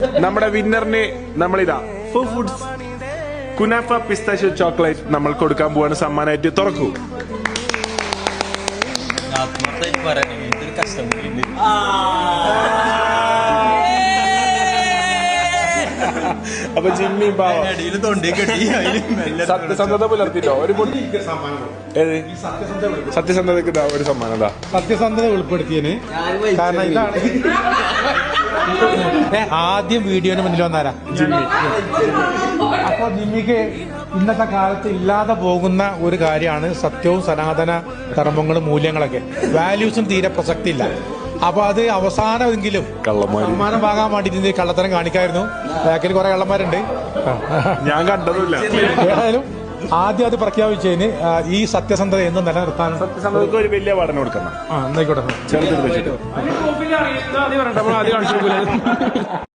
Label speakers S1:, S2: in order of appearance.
S1: നമ്മുടെ വിന്നറിന് നമ്മളിതാ foods kunafa pistachio chocolate നമ്മൾ കൊടുക്കാൻ പോവാണ്. സമ്മാനമായിട്ട് തുറക്കൂ. അപ്പൊ ജിമ്മി സത്യസന്ധത പുലർത്തിട്ടോ ഒരു സത്യസന്ധതക്ക് ഒരു സമ്മാനം.
S2: സത്യസന്ധത ഉൾപ്പെടുത്തിയതിന് കാരണം ഇതാണ് ആദ്യം വീഡിയോന് മുന്നിൽ വന്നാരാ ജിമ്മി. അപ്പൊ ജിമ്മിക്ക് ഇന്നത്തെ കാലത്ത് ഇല്ലാതെ പോകുന്ന ഒരു കാര്യമാണ് സത്യവും സനാതന ധർമ്മങ്ങളും മൂല്യങ്ങളൊക്കെ. വാല്യൂസും തീരെ പ്രസക്തി ഇല്ല. അപ്പൊ അത് അവസാനമെങ്കിലും സമ്മാനം വാങ്ങാൻ വേണ്ടിട്ട് കള്ളത്തരം കാണിക്കായിരുന്നു. ബാക്കിൽ കുറെ കള്ളന്മാരുണ്ട്,
S1: ഞാൻ കണ്ടതുമില്ല.
S2: ഏതായാലും ആദ്യം അത് പ്രഖ്യാപിച്ചതിന് ഈ സത്യസന്ധത എന്ന് നിലനിർത്താൻ
S1: സത്യസന്ധതക്ക് ഒരു വലിയ പഠനം കൊടുക്കണം.
S2: എന്നായിക്കോട്ടെ.
S1: ചെറുതിൽ വെച്ചിട്ട്